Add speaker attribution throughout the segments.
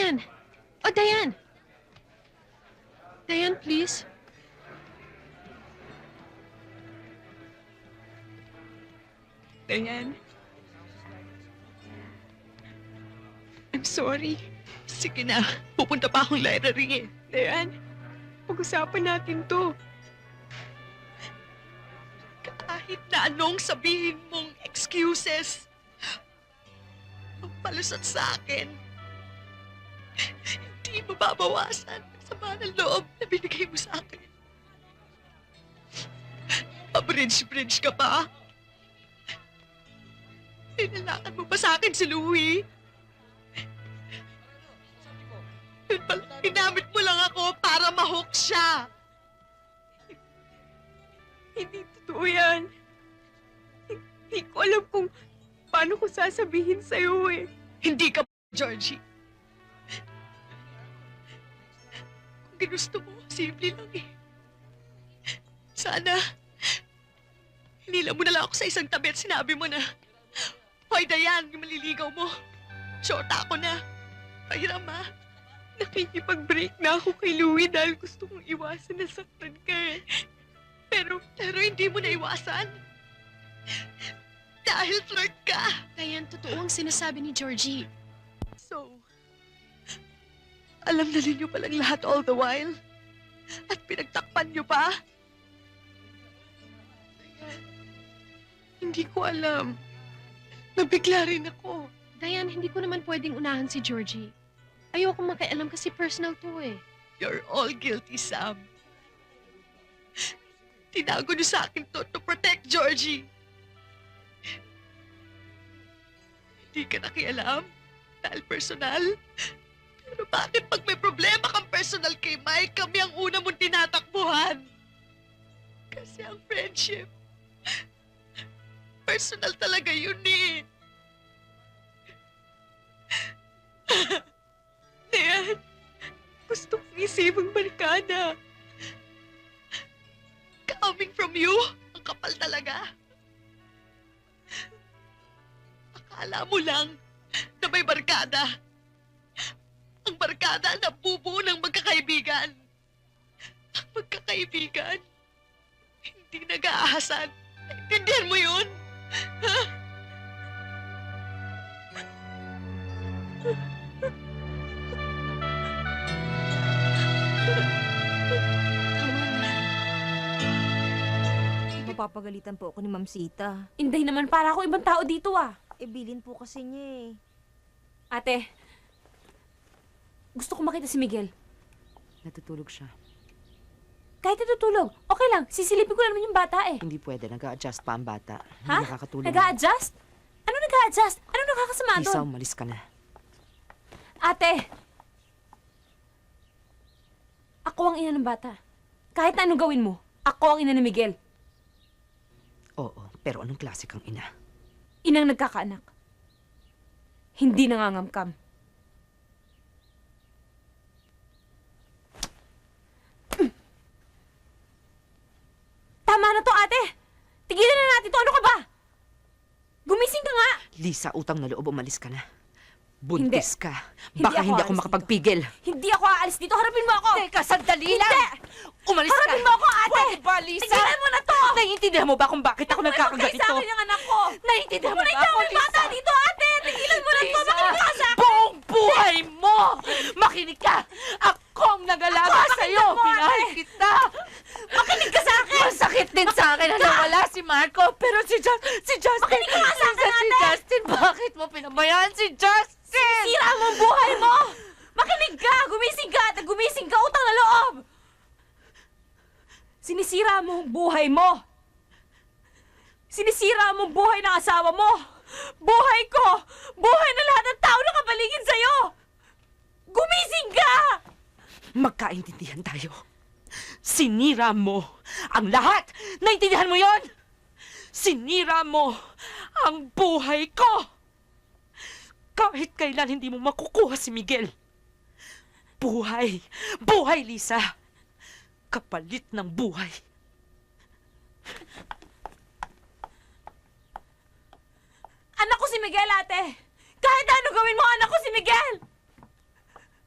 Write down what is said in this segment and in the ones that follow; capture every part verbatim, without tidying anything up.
Speaker 1: Diane! Oh, Diane! Diane, please.
Speaker 2: Diane. I'm sorry. Sige na. Pupunta pa akong library eh. Diane, pag-usapan natin to. Kahit na anong sabihin mong excuses, ang palusot sa akin, hindi mababawasan sa ng loob na binigay mo sa akin. Pa-bridge-bridge ka pa? Tinalakan mo pa sa akin si Louie? Yun pala, ginamit mo lang ako para ma-hook siya.
Speaker 3: Hindi totoo yan. Hindi ko alam kung paano ko sasabihin sa'yo eh.
Speaker 2: Hindi ka, Georgie. Kung ginusto mo, simple lang eh. Sana, hinila mo na lang ako sa isang tabi at sinabi mo na, Hoy, Diane, yung maliligaw mo. Shorta ako na. Pahiram ha.
Speaker 3: Nakikipag-break na ako kay Louie dahil gusto kong iwasan na saktan ka eh.
Speaker 2: Pero, pero hindi mo naiwasan. Dahil flirt ka.
Speaker 1: Diane, totoo ang sinasabi ni Georgie.
Speaker 2: So, alam na ninyo palang lahat all the while? At pinagtakpan nyo pa? Hindi ko alam. Nabigla rin ako.
Speaker 1: Diane, hindi ko naman pwedeng unahan si Georgie. Ayoko makialam kasi personal to eh.
Speaker 2: You're all guilty, Sam. Tinago niyo sa akin to to protect Georgie. Hindi ka nakialam dahil personal. Pero bakit pag may problema kang personal kay Mike, kami ang una mong tinatakbuhan? Kasi ang friendship, personal talaga yun eh.
Speaker 3: Diane, gusto kong isipang barkada.
Speaker 2: Coming from you, ang kapal talaga. Akala mo lang na may barkada. Ang barkada na bubuo ng magkakaibigan. Ang magkakaibigan, hindi nag-aahasan. Naintindihan mo yun? Ha?
Speaker 4: Mapapagalitan po ako ni Ma'am Sita.
Speaker 5: Inday naman, para ako ibang tao dito ah.
Speaker 4: E, bilin po kasi niya eh.
Speaker 5: Ate, gusto ko makita si Miguel.
Speaker 6: Natutulog siya.
Speaker 5: Kahit natutulog, okay lang. Sisilipin ko lang naman yung bata eh.
Speaker 6: Hindi pwede. Nag-a-adjust pa ang bata.
Speaker 5: Ha?
Speaker 6: Hindi nakakatulog.
Speaker 5: Nag-a-adjust? Ano nag-a-adjust? Ano nakakasama
Speaker 6: Lisa,
Speaker 5: doon?
Speaker 6: umalis ka na.
Speaker 5: Ate! Ako ang ina ng bata. Kahit na anong gawin mo, ako ang ina ni Miguel.
Speaker 6: Oo, pero anong klase kang ina?
Speaker 5: Inang nagkakaanak. Hindi nangangamkam. Tama na to, ate! Tigilan na natin to! Ano ka ba? Gumising ka nga!
Speaker 6: Lisa, utang na loob, umalis ka na. Buntis ka.
Speaker 5: Hindi
Speaker 6: Baka
Speaker 5: ako
Speaker 6: hindi ako
Speaker 5: aalis
Speaker 6: makapagpigil.
Speaker 5: Hindi ako aalis dito! Harapin mo ako!
Speaker 6: Teka, sandali
Speaker 5: Hindi!
Speaker 6: lang! Umalis ka!
Speaker 5: Harapin mo ako, ate!
Speaker 6: Pwede ba, Lisa?
Speaker 5: Tigilan mo na to!
Speaker 6: Naiintindihan mo ba kung bakit ako nagkakaganito?
Speaker 5: Sa akin yung anak ko!
Speaker 6: Naiintindihan mo ba
Speaker 5: Kumain
Speaker 6: ako,
Speaker 5: yung bata
Speaker 6: Lisa?
Speaker 5: dito, ate! Tigilan mo na to!
Speaker 6: Lisa,
Speaker 5: Makinig ka sa akin!
Speaker 6: buong buhay mo! Makinig ka! Ako ang nag-alaga
Speaker 5: Ako,
Speaker 6: sa'yo!
Speaker 5: pakinggan mo,
Speaker 6: Pinahal
Speaker 5: ate!
Speaker 6: kita!
Speaker 5: Makinig ka sa akin!
Speaker 6: Masakit din sa akin na nawala si Marco, pero si, Just, si Justin...
Speaker 5: Makinig ka nga sa akin,
Speaker 6: Si
Speaker 5: ate!
Speaker 6: Justin, bakit mo pinabayaan si Justin?
Speaker 5: Sira mo ang buhay mo! Makinig ka! Gumising ka! At gumising ka! Utang na loob! Sinisira mo ang buhay mo! Sinisira mo ang buhay ng asawa mo! Buhay ko! Buhay na lahat ng tao na kapaligid sa'yo! Gumising ka!
Speaker 6: Magkaintindihan tayo. Sinira mo ang lahat! Naintindihan mo yon? Sinira mo ang buhay ko! Kahit kailan hindi mo makukuha si Miguel. Buhay! Buhay, Lisa! Kapalit ng buhay.
Speaker 5: Anak ko si Miguel, ate! Kahit ano gawin mo, anak ko si Miguel!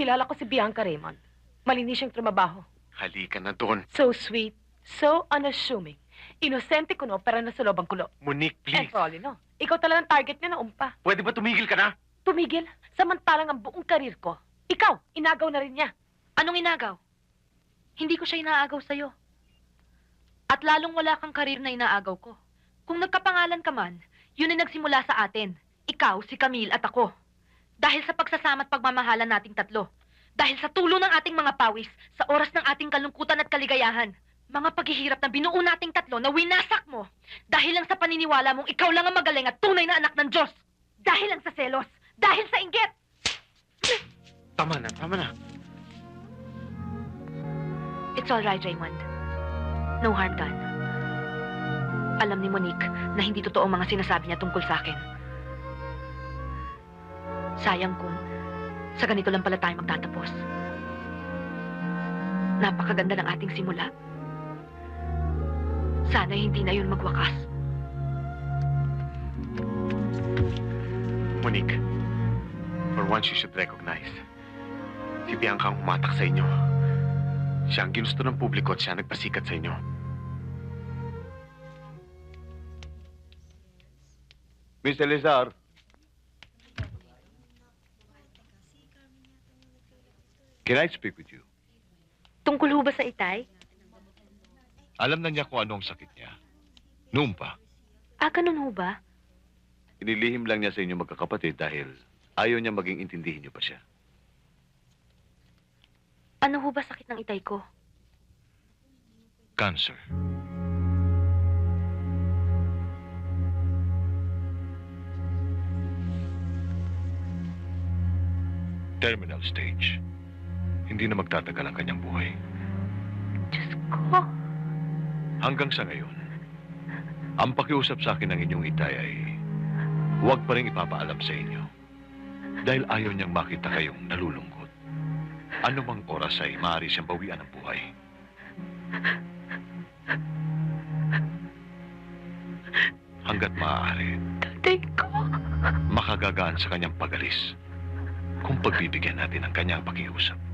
Speaker 6: Kilala ko si Bianca Raymond. Malinis siyang trumabaho.
Speaker 7: Halika na doon.
Speaker 6: So sweet, so unassuming. Inosente ko no, pero nasa loob ang kulo.
Speaker 7: Monique,
Speaker 6: And
Speaker 7: please.
Speaker 6: for all you know, ikaw talagang target niya na umpa.
Speaker 7: Pwede ba tumigil ka na?
Speaker 6: Tumigil, samantalang ang buong karir ko. Ikaw, inagaw na rin niya.
Speaker 8: Anong inagaw? Hindi ko siya inaagaw sa'yo. At lalong wala kang karir na inaagaw ko. Kung nagkapangalan ka man, yun ay nagsimula sa atin. Ikaw, si Camille at ako. Dahil sa pagsasama at pagmamahalan nating tatlo. Dahil sa tulong ng ating mga pawis, sa oras ng ating kalungkutan at kaligayahan. Mga paghihirap na binuo nating tatlo na winasak mo. Dahil lang sa paniniwala mong ikaw lang ang magaling at tunay na anak ng Diyos. Dahil lang sa selos. Dahil sa inggit.
Speaker 7: Tama na, tama na.
Speaker 8: It's all right, Raymond. No harm done. Alam ni Monique na hindi totoo ang mga sinasabi niya tungkol sa akin. Sayang kung sa ganito lang pala tayo magtatapos. Napakaganda ng ating simula. Sana hindi na yun magwakas.
Speaker 7: Monique, for once you should recognize, si Bianca ang humatak sa inyo. Siya ang ginusto ng publiko at siya nagpasikat sa inyo.
Speaker 9: Miss Elizar, can I speak with you?
Speaker 8: Tungkol ho ba sa itay?
Speaker 9: Alam na niya kung ano ang sakit niya. Noon pa,
Speaker 8: Ah, ganun ho ba?
Speaker 9: inilihim lang niya sa inyo magkakapatid dahil ayaw niya maging intindihin niyo pa siya.
Speaker 8: Ano ho ba sakit ng itay ko?
Speaker 9: Cancer. Terminal stage. Hindi na magtatagal ang kanyang buhay.
Speaker 8: Diyos ko.
Speaker 9: Hanggang sa ngayon, ang pakiusap sa akin ng inyong itay ay huwag pa rin ipapaalam sa inyo dahil ayaw niyang makita kayong nalulungkot. Ano mang oras ay maaari siyang bawian ng buhay. Hanggat maaari,
Speaker 8: Tatay ko.
Speaker 9: makagagaan sa kanyang pagalis kung pagbibigyan natin ang kanyang pakiusap.